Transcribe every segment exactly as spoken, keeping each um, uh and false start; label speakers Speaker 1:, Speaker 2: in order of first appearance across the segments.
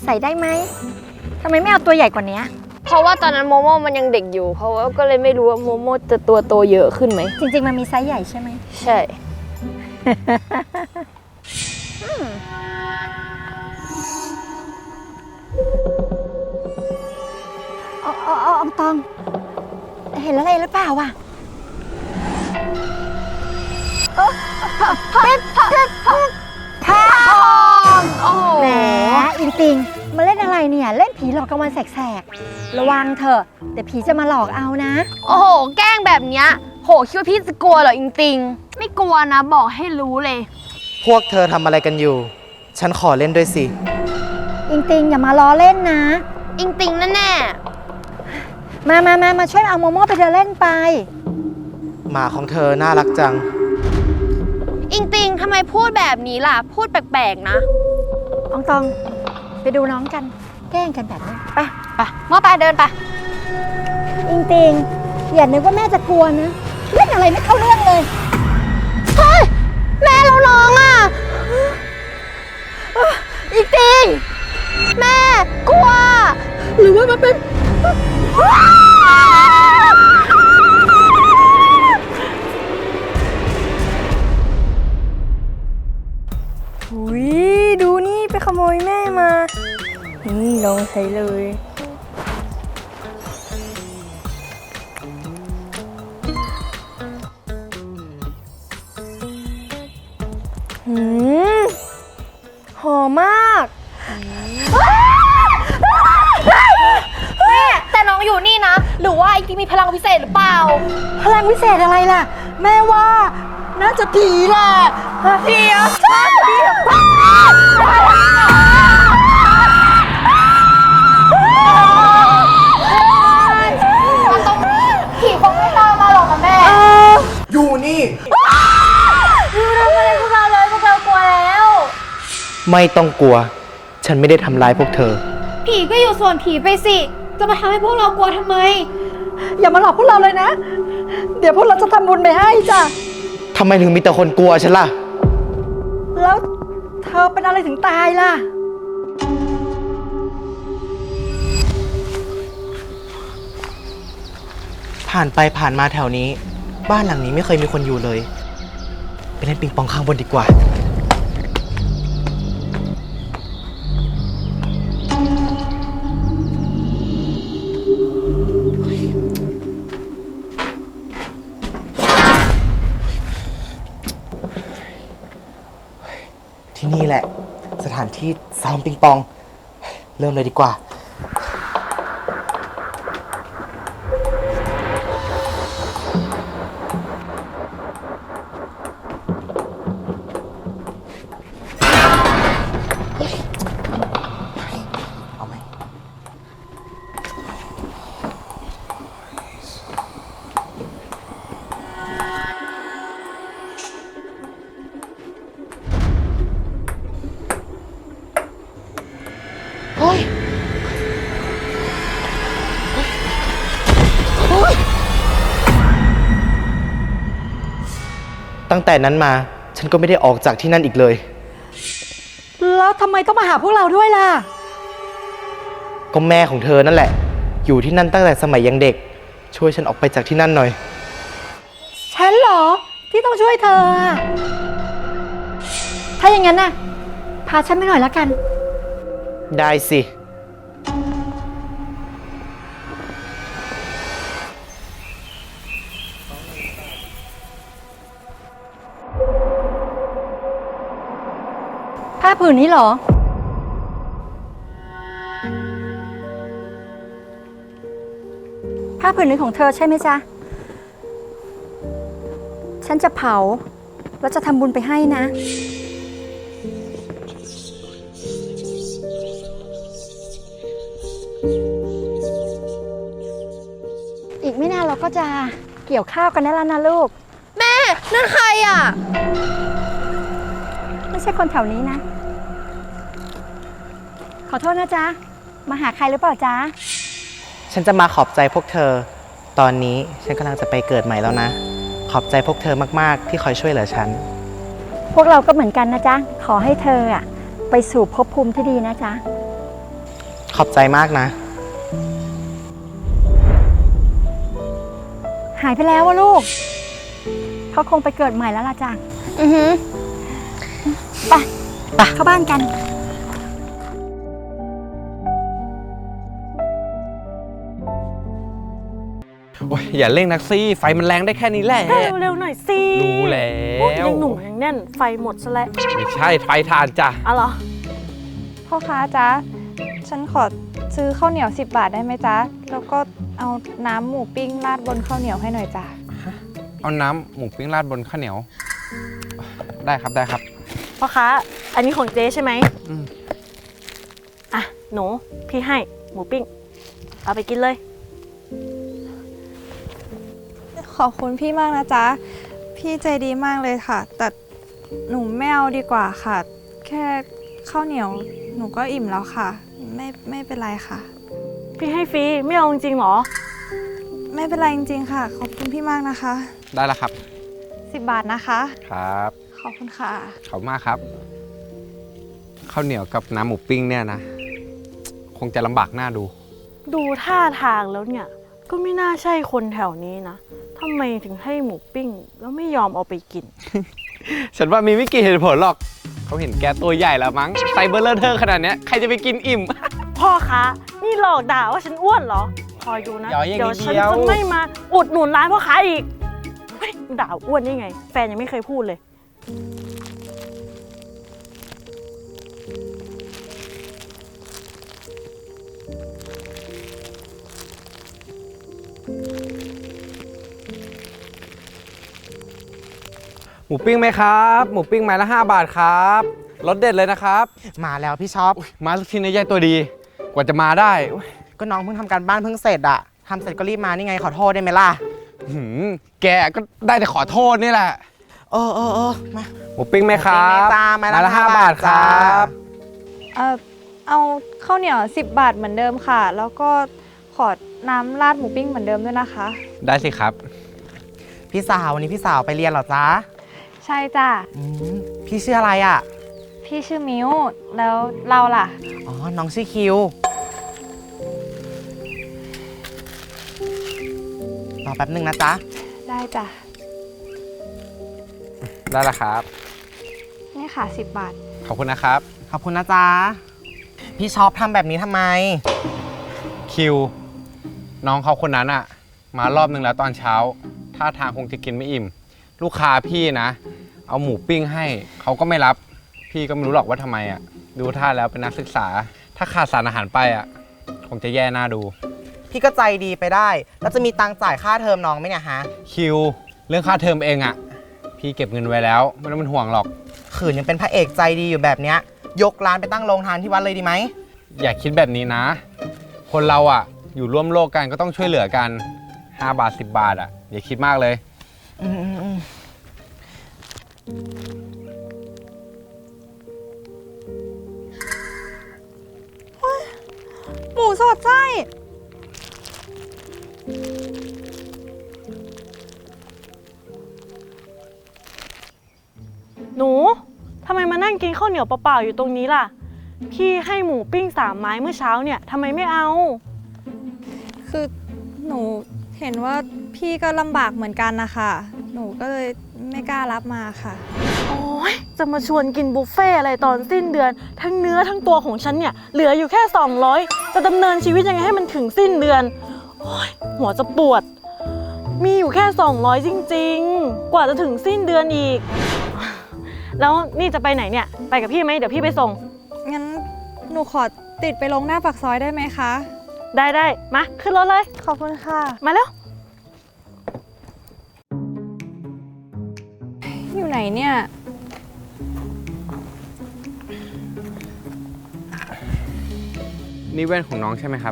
Speaker 1: ใส่ได้ไหมทำไมไม่เอาตัวใหญ่กว่านี้
Speaker 2: เพราะว่าตอนนั้นโมโม่มันยังเด็กอยู่เพราะว่าก็เลยไม่รู้ว่าโมโม่จะตัวโตเยอะขึ้นไหม
Speaker 1: จริงๆมันมีไซส์ใหญ่ใช่ไหม
Speaker 2: ใช่
Speaker 1: อ๋ออ๋ออองตองเห็นอะไรหรือเปล่าวะเป็นทองโอ้แหมอินติงมาเล่นอะไรเนี่ยเล่นผีหลอกกลางวันแสกๆระวังเถอะเดี๋ยวผีจะมาหลอกเอานะ
Speaker 2: โอ้โหแกล้งแบบเนี้ยโหคิดว่าพี่จะกลัวเหรออิงติงไม่กลัวนะบอกให้รู้เลย
Speaker 3: พวกเธอทำอะไรกันอยู่ฉันขอเล่นด้วยสิ
Speaker 1: อิงติงอย่ามาล้อเล่นนะ
Speaker 2: อิงติงแน่แน่
Speaker 1: มามามามาช่วยเอาโมโม่ไปเดินเล่นไป
Speaker 3: หมาของเธอน่ารักจัง
Speaker 2: อิงติงทำไมพูดแบบนี้ล่ะพูดแปลกๆนะ
Speaker 1: อองตองไปดูน้องกันแกล้งกันแบบนี้
Speaker 2: ไปไปมอไปเดินไป
Speaker 1: อิงติงอย่านึกว่าแม่จะกลัวนะเล่นอะไรไม่เข้าเรื่องเลย
Speaker 2: เฮ้ยแม่เราน้องอ่ะอิงติงแม่กลัว
Speaker 1: หรือว่ามันเป็น
Speaker 2: อุ้ยดูนี่ไปขโมยแม่มานี่ลองใช้เลยหืมหอมมากแม่แต่น้องอยู่นี่นะหรือว่าไอ้ที่มีพลังพิเศษหรือเปล่า
Speaker 1: พลังพิเศษอะไรล่ะแม่ว่าน่าจะผีแหละ
Speaker 2: ผีอ่ะใช่ผีมันต้องผีคงไม่ตามมาหรอกนะแม่
Speaker 3: อยู่นี่
Speaker 2: อยู่ทำอะไรพวกเราเลยพวกเรากลัวแล้ว
Speaker 3: ไม่ต้องกลัวฉันไม่ได้ทำร้ายพวกเธอ
Speaker 2: ผีก็อยู่ส่วนผีไปสิจะมาทำให้พวกเรากลัวทำไม
Speaker 1: อย่ามาหลอกพวกเราเลยนะเดี๋ยวพวกเราจะทำบุญไปให้จ้ะ
Speaker 3: ทำไมถึงมีแต่คนกลัวฉันล่ะ
Speaker 1: แล้วเธอเป็นอะไรถึงตายล่ะ
Speaker 3: ผ่านไปผ่านมาแถวนี้บ้านหลังนี้ไม่เคยมีคนอยู่เลยไปเล่นปิงปองข้างบนดีกว่าที่นี่แหละสถานที่ซ้อมปิงปองเริ่มเลยดีกว่าเอาไหมเฮ้ยตั้งแต่นั้นมาฉันก็ไม่ได้ออกจากที่นั่นอีกเลย
Speaker 1: แล้วทำไมต้องมาหาพวกเราด้วยล่ะ
Speaker 3: ก็แม่ของเธอนั่นแหละอยู่ที่นั่นตั้งแต่สมัยยังเด็กช่วยฉันออกไปจากที่นั่นหน่อย
Speaker 1: ฉันเหรอที่ต้องช่วยเธอถ้าอย่างนั้นน่ะพาฉันไปหน่อยแล้วกัน
Speaker 3: ได้สิ
Speaker 1: ผ้าผืนนี้เหรอผ้าผืนนี้ของเธอใช่ไหมจ๊ะฉันจะเผาแล้วจะทำบุญไปให้นะอีกไม่นานเราก็จะเกี่ยวข้าวกันได้แล้วนะลูก
Speaker 2: แม่นั่นใครอ่ะ
Speaker 1: ไม่ใช่คนแถวนี้นะขอโทษนะจ๊ะมาหาใครหรือเปล่าจ๊ะ
Speaker 3: ฉันจะมาขอบใจพวกเธอตอนนี้ฉันกำลังจะไปเกิดใหม่แล้วนะขอบใจพวกเธอมากๆที่คอยช่วยเหลือฉัน
Speaker 1: พวกเราก็เหมือนกันนะจ๊ะขอให้เธออะไปสู่ภพภูมิที่ดีนะจ๊ะ
Speaker 3: ขอบใจมากนะ
Speaker 1: หายไปแล้ววะลูก เขาคงไปเกิดใหม่แล้วล่ะจ้ะ
Speaker 2: อือหือ
Speaker 1: ไปไปเข้าบ้านกัน
Speaker 4: โอ้ยอย่าเร่งนักซี่ไฟมันแรงได้แค่นี้แหละ
Speaker 5: เร็วๆหน่อยสิ
Speaker 4: รู้แล้ว
Speaker 5: ยังหนุ่มยังแน่นไฟหมดซะแล้ว
Speaker 4: ไม่ใช่ไฟทานจ้ะ
Speaker 5: อ๋อเหรอ
Speaker 2: พ่อค้าจ๊ะ ฉันขอซื้อข้าวเหนียวสิบบาทได้ไหมจ๊ะ แล้วก็เอาน้ำหมูปิ้งราดบนข้าวเหนียวให้หน่อยจ้ะ
Speaker 4: เอาน้ำหมูปิ้งราดบนข้าวเหนียว ได้ครับได้ครับ
Speaker 5: พ่อค้า อันนี้ของเจ๊ใช่ไหม
Speaker 4: อืม
Speaker 5: อ่ะ หนู พี่ให้หมูปิ้ง เอาไปกินเลย
Speaker 2: ขอบคุณพี่มากนะจ๊ะ พี่ใจดีมากเลยค่ะ แต่หนูไม่เอาดีกว่าค่ะ แค่ข้าวเหนียวหนูก็อิ่มแล้วค่ะ ไม่ไม่เป็นไรค่ะ
Speaker 5: พี่ให้ฟรี ไม่เอาจริงๆหรอ
Speaker 2: ไม่เป็นไรจริงๆค่ะ ขอบคุณพี่มากนะคะ
Speaker 4: ได้แล้วครับ
Speaker 2: สิบบาทนะคะ
Speaker 4: ครับ
Speaker 2: ขอบคุณค่ะ
Speaker 4: ขอบคุณมากครับข้าวเหนียวกับน้ำหมูปิ้งเนี่ยนะ คงจะลำบากหน้าดู
Speaker 5: ดูท่าทางแล้วเนี่ย ก็ไม่น่าใช่คนแถวนี้นะทำไมถึงให้หมูปิ้ง แล้วไม่ยอมเอาไปกิน
Speaker 4: ฉันว่ามีไม่กี่เหตุผลหรอก เขาเห็นแกตัวใหญ่แล้วมั้งไซเบอร์เลอร์เทอร์ขนาดเนี้ยใครจะไปกินอิ่ม
Speaker 5: พ่อค้า นี่หลอกด่าว่าฉันอ้วนเหรอ คอยดูนะ
Speaker 4: อย่าอย่างนี้
Speaker 5: เดี๋ยวฉัน
Speaker 4: เดียว
Speaker 5: จะไม่มาอุดหนุนร้านพ่อค้าอีกเฮ้ยด่าอ้วนได้ไง แฟนยังไม่เคยพูดเลย
Speaker 4: หมูปิ้งไหมครับ หมูปิ้งไม้ละห้าบาทครับรสเด็ดเลยนะครับ
Speaker 3: มาแล้วพี่ช็อป
Speaker 4: มาสักทีนะยายตัวดี กว่าจะมาได้อุ๊ย
Speaker 3: ก็น้องเพิ่งทำการบ้านเพิ่งเสร็จอะทำเสร็จก็รีบมานี่ไงขอโทษได้ไหมล่ะ
Speaker 4: หืมแกก็ได้แต่ขอโทษนี่แหละ
Speaker 3: เออเออเออมา
Speaker 4: หมูปิ้งไหมครับ
Speaker 3: หมูปิ้งไหมจ้าไม้ละ
Speaker 4: ห้า
Speaker 3: ห้า
Speaker 4: บา
Speaker 3: บา
Speaker 4: ท
Speaker 3: ท
Speaker 4: ครั
Speaker 3: จ้า
Speaker 4: บ
Speaker 2: เอ่อเอาข้าวเหนียวสิบบาทเหมือนเดิมค่ะ แล้วก็ขอน้ำราดหมูปิ้งเหมือนเดิมด้วยนะคะ
Speaker 4: ได้สิครับ
Speaker 3: พี่สาววันนี้พี่สาวไปเรียนเหรอจ๊ะ
Speaker 2: ใช่จ้ะ
Speaker 3: อืมพี่ชื่ออะไรอะ
Speaker 2: พี่ชื่อมิวแล้วเราล่ะ
Speaker 3: อ๋อ น้องชื่อคิว รอแป๊บหนึ่งนะจ๊ะ
Speaker 2: ได้จ้ะ
Speaker 4: ได้แล้วครับ
Speaker 2: นี่ค่ะสิบบาท
Speaker 4: ขอบคุณนะครับ
Speaker 3: ขอบคุณนะจ๊ะ พี่ชอบทำแบบนี้ทำไม
Speaker 4: คิว น้องเขาคนนั้นอะมารอบนึงแล้วตอนเช้าท่าทางคงจะกินไม่อิ่ม ลูกค้าพี่นะ เอาหมูปิ้งให้เขาก็ไม่รับ พี่ก็ไม่รู้หรอกว่าทำไมอะดูท่าแล้วเป็นนักศึกษา ถ้าขาดสารอาหารไปอะคงจะแย่หน้าดู
Speaker 3: พี่ก็ใจดีไปได้ แล้วจะมีตังค์จ่ายค่าเทอมน้องไหมเนี่ยฮะ
Speaker 4: คิว เรื่องค่าเทอมเองอะพี่เก็บเงินไว้แล้วไม่ต้องเป็นห่วงหรอก
Speaker 3: ขืนยังเป็นพระเอกใจดีอยู่แบบเนี้ย ยกร้านไปตั้งโรงทานที่วัดเลยดีไหม
Speaker 4: อย่าคิดแบบนี้นะ คนเราอะอยู่ร่วมโลกกันก็ต้องช่วยเหลือกันห้าบาทสิบบาทอะอย่าคิดมากเลย
Speaker 3: อืมอืมอืม
Speaker 2: หมูสอดไส้
Speaker 5: หนูทำไมมานั่งกินข้าวเหนียวเปล่าๆอยู่ตรงนี้ล่ะ พี่ให้หมูปิ้งสามไม้เมื่อเช้าเนี่ยทำไมไม่เอา
Speaker 2: คือหนูเห็นว่าพี่ก็ลำบากเหมือนกันนะคะ หนูก็เลยไม่กล้ารับมาค่ะ
Speaker 5: โอ้ยจะมาชวนกินบุฟเฟ่อะไรตอนสิ้นเดือน ทั้งเนื้อทั้งตัวของฉันเนี่ยเหลืออยู่แค่สองร้อยจะดำเนินชีวิตยังไงให้มันถึงสิ้นเดือนโอ้ยหัวจะปวด มีอยู่แค่สองร้อยจริงๆ กว่าจะถึงสิ้นเดือนอีก แล้วนี่จะไปไหนเนี่ยไปกับพี่ไหมเดี๋ยวพี่ไปส่ง
Speaker 2: งั้นหนูขอติดไปลงหน้าปากซอยได้ไหมคะ
Speaker 5: ได้ได้มาขึ้นรถเลย
Speaker 2: ขอบคุณค่ะ
Speaker 5: มาแล้ว
Speaker 2: อยู่ไหนเนี่ย
Speaker 4: นี่แว่นของน้องใช่ไหมครับ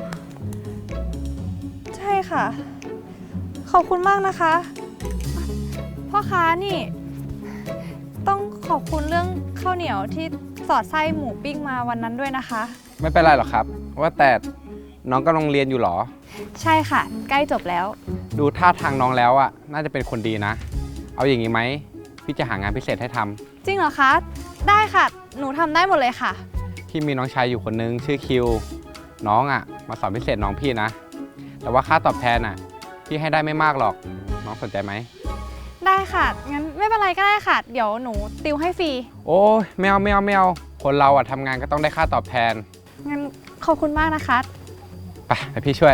Speaker 2: ใช่ค่ะ ขอบคุณมากนะคะ พ่อค้านี่ ต้องขอบคุณเรื่องข้าวเหนียวที่สอดไส้หมูปิ้งมาวันนั้นด้วยนะคะ
Speaker 4: ไม่เป็นไรหรอกครับ ว่าแต่น้องกำลังเรียนอยู่หรอ
Speaker 2: ใช่ค่ะ ใกล้จบแล้ว
Speaker 4: ดูท่าทางน้องแล้วอะน่าจะเป็นคนดีนะ เอาอย่างนี้ไหมพี่จะหางานพิเศษให้ทำ
Speaker 2: จริงเหรอคะ ได้ค่ะ หนูทำได้หมดเลยค่ะ
Speaker 4: พี่มีน้องชายอยู่คนนึงชื่อคิวน้องอ่ะมาสอนพิเศษน้องพี่นะ แต่ว่าค่าตอบแทนอ่ะพี่ให้ได้ไม่มากหรอก น้องสนใจไหม
Speaker 2: ได้ค่ะ งั้นไม่เป็นไรก็ได้ค่ะ เดี๋ยวหนูติวให้ฟรี
Speaker 4: โอ้ยไม่เอาไม่เอาไม่เอาคนเราอ่ะทำงานก็ต้องได้ค่าตอบแทน
Speaker 2: งั้นขอบคุณมากนะคะ
Speaker 4: ไปไปพี่ช่วย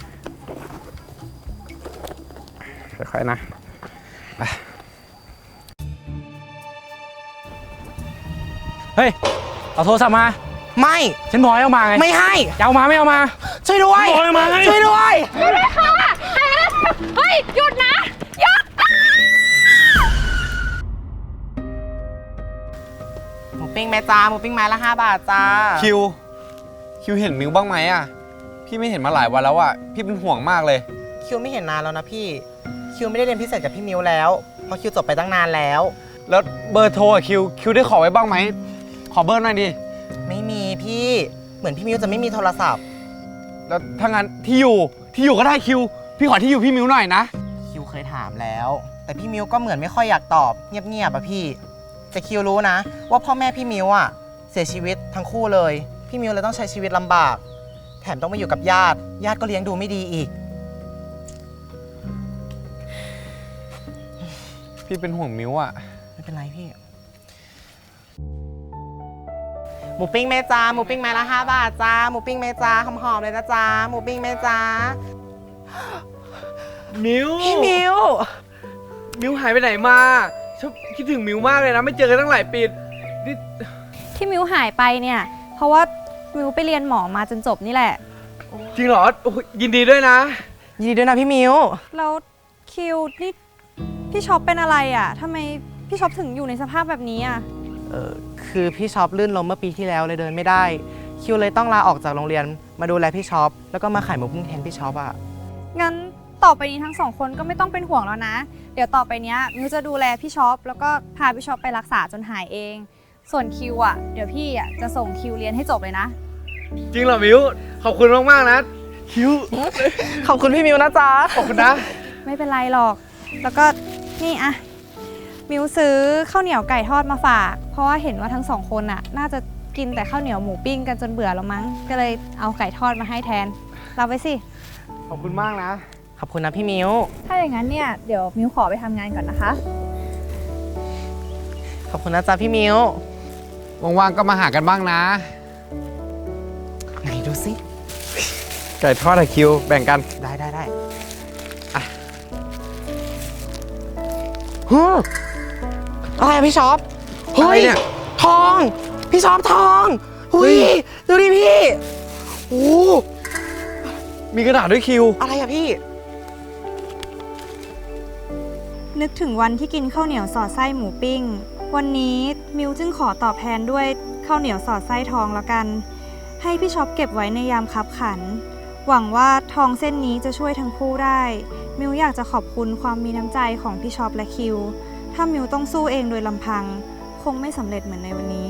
Speaker 4: ค่อยๆนะไป
Speaker 6: เฮ้ย เอาโทรศัพท์มา
Speaker 3: ไม่
Speaker 6: ฉันบอกให้เอามาไง
Speaker 3: ไม่ให้
Speaker 6: จะเอามาไม่เอามา
Speaker 3: ช่วยด้วย
Speaker 6: บอกให้มาไง
Speaker 3: ช่วยด้วย
Speaker 2: เฮ้ย หยุดนะ หยุด
Speaker 3: หมูปิ้งแม่จ้าหมูปิ้งไม้ละห้าบาทจ้า
Speaker 4: คิวคิวเห็นมิวบ้างไหมอ่ะพี่ไม่เห็นมาหลายวันแล้วอ่ะพี่เป็นห่วงมากเลย
Speaker 3: คิวไม่เห็นนานแล้วนะพี่ คิวไม่ได้เรียนพิเศษกับพี่มิวแล้ว เพราะคิวจบไปตั้งนานแล้ว
Speaker 4: แล้วเบอร์โทรอะคิวคิวได้ขอไว้บ้างไหมขอเบอร์หน่อยดิ
Speaker 3: ไม่มีพี่ เหมือนพี่มิวจะไม่มีโทรศัพท์
Speaker 4: แล้วถ้างั้นที่อยู่ที่อยู่ก็ได้คิว พี่ขอที่อยู่พี่มิวหน่อยนะ
Speaker 3: คิวเคยถามแล้ว แต่พี่มิวก็เหมือนไม่ค่อยอยากตอบเงียบๆอะพี่ แต่คิวรู้นะ ว่าพ่อแม่พี่มิวอะเสียชีวิตทั้งคู่เลย พี่มิวเลยต้องใช้ชีวิตลำบาก แถมต้องมาอยู่กับญาติ ญาติก็เลี้ยงดูไม่ดีอีก
Speaker 4: พี่เป็นห่วงมิวอ่ะ
Speaker 3: ไม่เป็นไรพี่ หมูปิ้งแม่จ้าหมูปิ้งไม้ละห้าบาทจ้าหมูปิ้งแม่จ้าหอมๆเลยนะจ้าหมูปิ้งแม่จ้า
Speaker 6: มิว
Speaker 3: พี่มิว
Speaker 6: มิวหายไปไหนมาฉันคิดถึงมิวมากเลยนะ ไม่เจอกันตั้งหลายปีนี่
Speaker 2: ที่มิวหายไปเนี่ย เพราะว่ามิวไปเรียนหมอมาจนจบนี่แหละ
Speaker 6: จริงเหรอโอ้ยยินดีด้วยนะ
Speaker 3: ยินดีด้วยนะพี่มิว
Speaker 2: แล้วคิวนี่พี่ช็อปเป็นอะไรอ่ะทำไมพี่ช็อปถึงอยู่ในสภาพแบบนี้อ่ะ
Speaker 3: เออคือพี่ช็อปลื่นล้มเมื่อปีที่แล้วเลยเดินไม่ได้ คิวเลยต้องลาออกจากโรงเรียนมาดูแลพี่ช็อปแล้วก็มาขายหมูปิ้งแทนพี่ช็อปอะ
Speaker 2: งั้นต่อไปนี้ทั้งสองคนก็ไม่ต้องเป็นห่วงแล้วนะ เดี๋ยวต่อไปเนี้ยมิวจะดูแลพี่ช็อปแล้วก็พาพี่ช็อปไปรักษาจนหายเอง ส่วนคิวอ่ะเดี๋ยวพี่อ่ะจะส่งคิวเรียนให้จบเลยนะ
Speaker 6: จริงเหรอมิวขอบคุณมากๆนะคิว
Speaker 3: ขอบคุณพี่มิวนะจ๊ะ
Speaker 6: ขอบคุณนะ
Speaker 2: ไม่เป็นไรหรอก แล้วก็นี่อะมิวซื้อข้าวเหนียวไก่ทอดมาฝาก เพราะว่าเห็นว่าทั้งสองคนอะน่าจะกินแต่ข้าวเหนียวหมูปิ้งกันจนเบื่อแล้วมั้ง ก็เลยเอาไก่ทอดมาให้แทนรับไว้สิ
Speaker 6: ขอบคุณมากนะ
Speaker 3: ขอบคุณนะพี่มิว
Speaker 2: ถ้าอย่างนั้นเนี่ยเดี๋ยวมิวขอไปทำงานก่อนนะคะ
Speaker 3: ขอบคุณนะจ๊ะพี่มิว
Speaker 4: ว่างๆก็มาหากันบ้างนะ
Speaker 3: ไหนดูสิ
Speaker 4: ไก่ทอดอะคิวแบ่งกัน
Speaker 3: ได้ได้ได้อะฮึอะไรอะพี่ช็อป
Speaker 4: อะไรเนี่ย
Speaker 3: ทอง พี่ช็อปทองหุยดูดิพี่โอ้
Speaker 4: มีกระดาษด้วยคิว
Speaker 3: อะไรอะพี่
Speaker 2: นึกถึงวันที่กินข้าวเหนียวสอดไส้หมูปิ้ง วันนี้มิวจึงขอตอบแทนด้วยข้าวเหนียวสอดไส้ทองแล้วกัน ให้พี่ช็อปเก็บไว้ในยามคับขัน หวังว่าทองเส้นนี้จะช่วยทั้งคู่ได้ มิวอยากจะขอบคุณความมีน้ำใจของพี่ช็อปและคิว ถ้ามิวต้องสู้เองโดยลำพัง คงไม่สำเร็จเหมือนในวันนี้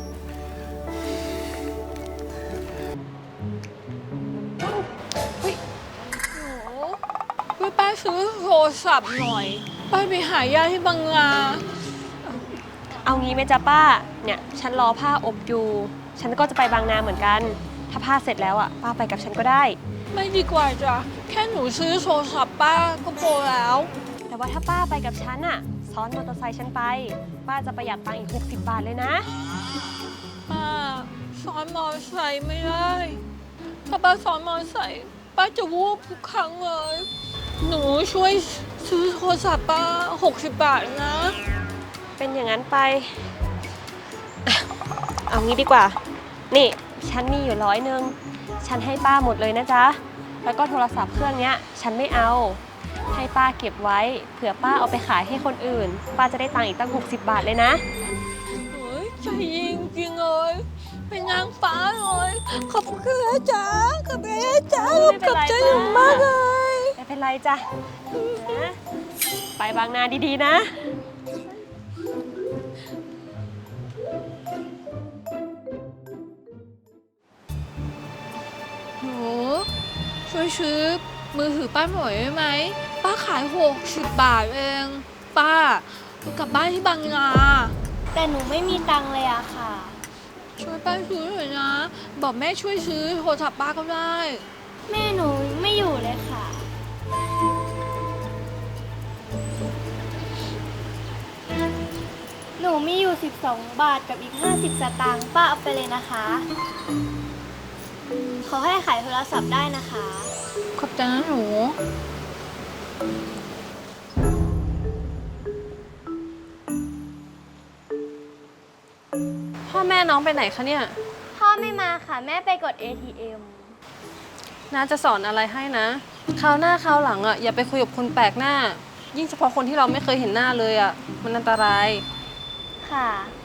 Speaker 7: ช่วยป้าซื้อโทรศัพท์หน่อย ป้าไปหาญาติที่บางนา
Speaker 8: เอางี้ไหมจ๊ะป้า เนี่ยฉันรอผ้าอบอยู่ ฉันก็จะไปบางนาเหมือนกัน ถ้าผ้าเสร็จแล้วอ่ะป้าไปกับฉันก็ได้
Speaker 7: ไม่ดีกว่าจ้ะ แค่หนูซื้อโทรศัพท์ป้าก็พอแล้ว
Speaker 8: แต่ว่าถ้าป้าไปกับฉันอ่ะซ้อนมอเตอร์ไซค์ฉันไป ป้าจะประหยัดตังค์อีกหกสิบบาทเลยนะ
Speaker 7: ป้าซ้อนมอเตอร์ไซค์ไม่ได้ ถ้าป้าซ้อนมอเตอร์ไซค์ป้าจะวูบทุกครั้งเลย หนูช่วยซื้อโทรศัพท์ป้าหกสิบบาทนะ
Speaker 8: เป็นอย่างนั้นไปอ่ะเอางี้ดีกว่า นี่ฉันมีอยู่ร้อยหนึ่งฉันให้ป้าหมดเลยนะจ๊ะ แล้วก็โทรศัพท์เครื่องเนี้ยฉันไม่เอา ให้ป้าเก็บไว้เผื่อป้าเอาไปขายให้คนอื่น ป้าจะได้ตังค์อีกตั้งหกสิบบาทเลยนะ
Speaker 7: เฮ้ยใจยิงจริงเลยเป็นนางฟ้าเลยขอบคุณนะจ๊ะขอบคุณนะจ๊ะ
Speaker 8: ไม่เป็น
Speaker 7: ขอบ
Speaker 8: ไร
Speaker 7: ใจ
Speaker 8: จ้ะ
Speaker 7: มากเลย
Speaker 8: ไม่เป็นไรจ้ะนะไปบางนาดีๆนะ
Speaker 7: หนูช่วยซื้อมือถือป้าหน่อยได้ไหมป้าขายหกสิบบาทเองป้าหนูกลับบ้านที่บางนา
Speaker 9: แต่หนูไม่มีตังค์เลยอะค่ะ
Speaker 7: ช่วยป้าซื้อหน่อยนะ หนูบอกแม่ช่วยซื้อโทรศัพท์ป้าก็ได้
Speaker 9: แม่หนูไม่อยู่เลยค่ะ หนูมีอยู่สิบสองบาทกับอีกห้าสิบสตางค์ป้าเอาไปเลยนะคะ ขอให้ขายโทรศัพท์ได้นะคะ
Speaker 7: ขอบใจนะหนู
Speaker 8: พ่อแม่น้องไปไหนคะเนี่ย
Speaker 9: พ่อไม่มาค่ะ แม่ไปกด เอ ที เอ็ม
Speaker 8: น้าจะสอนอะไรให้นะคราวหน้าคราวหลังอ่ะอย่าไปคุยกับคนแปลกหน้า ยิ่งเฉพาะคนที่เราไม่เคยเห็นหน้าเลยอ่ะมันอันตราย
Speaker 9: ค่ะ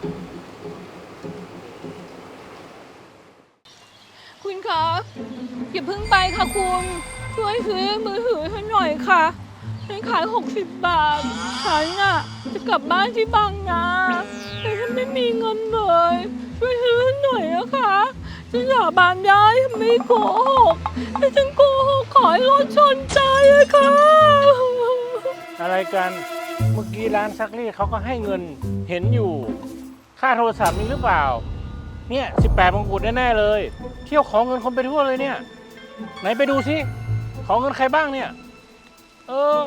Speaker 7: คุณคะอย่าเพิ่งไปค่ะคุณ ช่วยซื้อมือถือให้หน่อยค่ะฉันขายหกสิบบาทฉันน่ะจะกลับบ้านที่บางนาแต่ฉันไม่มีเงินเลยช่วยซื้อให้หน่อยนะคะฉันสาบานได้ฉันไม่โกหกแต่ฉันโกหกขอให้รถชนตายเลยค่ะ
Speaker 10: อะไรกัน เมื่อกี้ร้านซักรีดเขาก็ให้เงินเห็นอยู่ ค่าโทรศัพท์มีหรือเปล่า เนี่ยสิบแปดมงกุฎแน่ๆเลย เที่ยวของเงินคนไปทั่วเลยเนี่ย ไหนไปดูสิของเงินใครบ้างเนี่ย เออ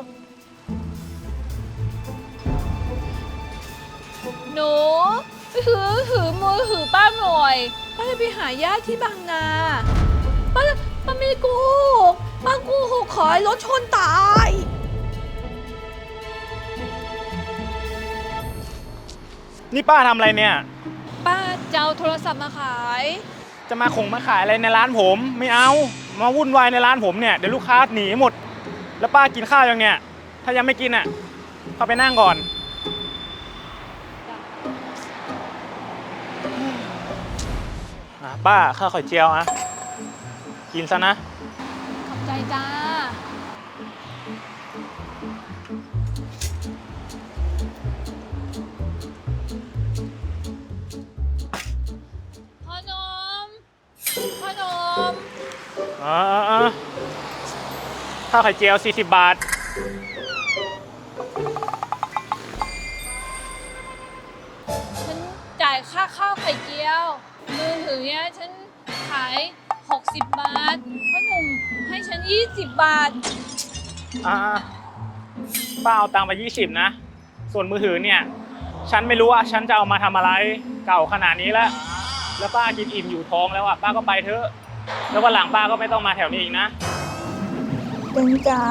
Speaker 7: หนูไปถือถือมือถือป้าหน่อยป้าจะไปหาญาติที่บางนาป้าป้าไม่ได้โกหกป้าโกหกขอให้รถชนตาย
Speaker 10: นี่ป้าทำอะไรเนี่ย
Speaker 7: ป้าจะเอาโทรศัพท์มาขาย
Speaker 10: จะมาคงมาขายอะไรในร้านผม ไม่เอา มาวุ่นวายในร้านผมเนี่ย เดี๋ยวลูกค้าหนีหมด แล้วป้ากินข้าวยังเนี่ย ถ้ายังไม่กินอ่ะเข้าไปนั่งก่อนอ่ะป้าข้าวไข่เจียวอ่ะ กินซะนะ
Speaker 7: ขอบใจจ้าพ่อหนมพ่อหนม
Speaker 10: อ๋ออ๋อข้าวไข่เจียวสี่สิบบาท
Speaker 7: ฉันจ่ายค่าข้าวไข่เจียวมือถือเนี่ยฉันขายหกสิบบาทพ่อหนุ่มให้ฉันยี่สิบบาท
Speaker 10: อ่าป้าเอาตังค์ไปยี่สิบนะ ส่วนมือถือเนี่ย ฉันไม่รู้ว่าฉันจะเอามาทำอะไร เก่าขนาดนี้แล้ว แล้วป้ากินอิ่มอยู่ท้องแล้วอ่ะ ป้าก็ไปเถอะ แล้ววันหลังป้าก็ไม่ต้องมาแถวนี้อีกนะ
Speaker 2: เป็นจ๋า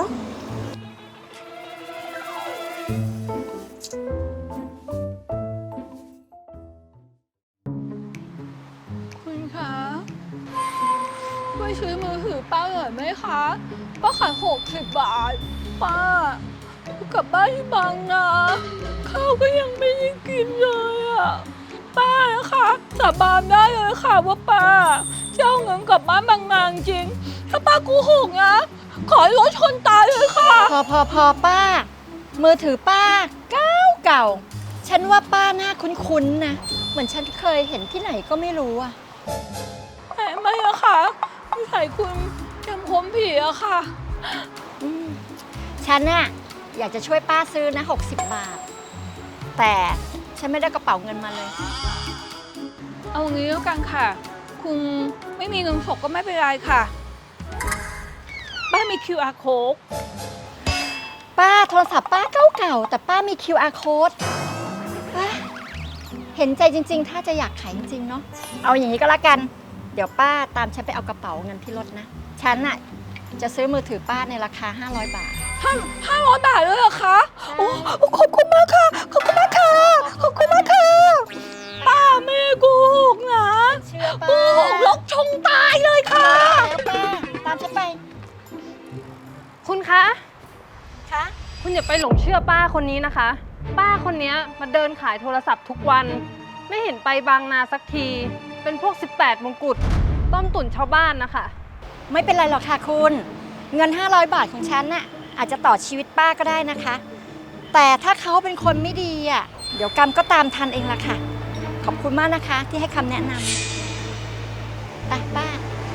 Speaker 7: คุณคะช่วยซื้อมือถือป้าหน่อยไหมคะป้าขายหกสิบบาทป้ากลับบ้านที่บางนาข้าวก็ยังไม่ได้กินเลยอ่ะป้านะคะสาบานได้เลยค่ะว่าป้าจะเอาเงินกลับบ้านบางนาจริงถ้าป้าโกหกนะขอให้รถชนตายเลยค่ะ
Speaker 1: พอพอพอป้า มือถือป้าเก่าเก่า ฉันว่าป้าหน้าคุ้นๆนะ เหมือนฉันเคยเห็นที่ไหนก็ไม่รู้อะ
Speaker 7: แหมไม่อะค่ะนิสัยคุณจำผมผีอะค่ะ
Speaker 1: อืมฉันน่ะอยากจะช่วยป้าซื้อนะหกสิบบาท แต่ฉันไม่ได้กระเป๋าเงินมาเลย
Speaker 7: เอางี้แล้วกันค่ะ คุณไม่มีเงินสดก็ไม่เป็นไรค่ะป้ามี คิว อาร์ code
Speaker 1: ป้าโทรศัพท์ป้าเก่าๆแต่ป้ามี คิว อาร์ code ป้าเห็นใจจริงๆ ถ้าจะอยากขายจริงๆ เนาะ เอาอย่างนี้ก็แล้วกัน เดี๋ยวป้าตามฉันไปเอากระเป๋าเงินที่รถนะ ฉันน่ะจะซื้อมือถือป้าในราคาห้าร้อยบาท
Speaker 7: ห้าห้าร้อยบาทเลยเหรอคะโอ้ขอบคุณมากค่ะ ขอบคุณมากค่ะ ขอบคุณมากค่ะ ป้าไม่โกหกนะ
Speaker 1: เชื่อ
Speaker 7: โก
Speaker 1: ป้า
Speaker 7: หกลกชงตายเลยค่ะ
Speaker 1: แล้วป้าตามฉันไป
Speaker 8: คุณคะ
Speaker 1: คะ
Speaker 8: คุณอย่าไปหลงเชื่อป้าคนนี้นะคะ ป้าคนนี้มาเดินขายโทรศัพท์ทุกวัน ไม่เห็นไปบางนาสักที เป็นพวกสิบแปดมงกุฎต้มตุ๋นชาวบ้านนะคะ
Speaker 1: ไม่เป็นไรหรอกค่ะคุณ เงินห้าร้อยบาทของฉันน่ะอาจจะต่อชีวิตป้าก็ได้นะคะ แต่ถ้าเขาเป็นคนไม่ดีอ่ะเดี๋ยวกรรมก็ตามทันเองละค่ะ ขอบคุณมากนะคะที่ให้คำแนะนำไปป้า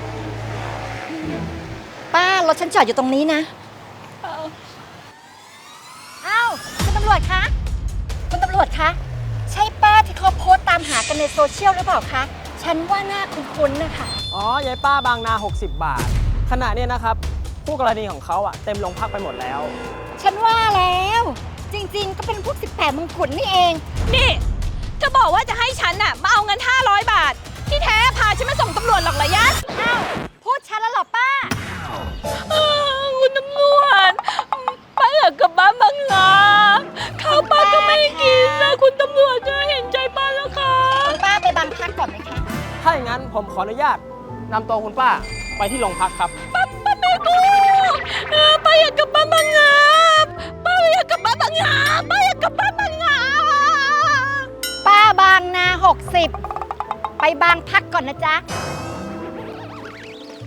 Speaker 1: ป้ารถฉันจอดอยู่ตรงนี้นะอ้าวคุณตำรวจคะคุณตำรวจคะใช่ป้าที่เขาโพสต์ตามหากันในโซเชียลหรือเปล่าคะฉันว่าหน้าคุ้นๆนะคะ
Speaker 11: อ๋อยายป้าบางนา หกสิบบาท ขณะเนี้ยนะครับผู้กรณีของเขาอะเต็มโรงพักไปหมดแล้ว
Speaker 1: ฉันว่าแล้ว จริงๆ ก็เป็นพวกสิบแปดมงกุฎนี่เอง
Speaker 7: นี่จะบอกว่าจะให้ฉันน่ะมาเอาเงินห้าร้อยบาท ที่แท้พาฉันมาส่งตำรวจหรอกเหรอยะ
Speaker 1: อ้าว พูดชัดแล้วเหรอป้า
Speaker 7: เออคุณตำรวจป้าอยากกลับบ้านบางนาข้าวป้าก็ไม่กินนะคุณตำรวจจะเห็นใจป้าแล้วค่ะ
Speaker 1: ป้าไปบางพักก่อนไหมคะ
Speaker 11: ถ้าอย่างนั้นผมขออนุญาตนำตัวคุณป้าไปที่โรงพักครับ
Speaker 7: ป้าป้าไม่กูเออป้าอยากกลับบ้านบางนาป้าอยากกลับบ้านบางนาป้าอยากกลับบ้านบางนา
Speaker 1: ป้าบางนาหกสิบไปบางพักก่อนนะจ๊ะ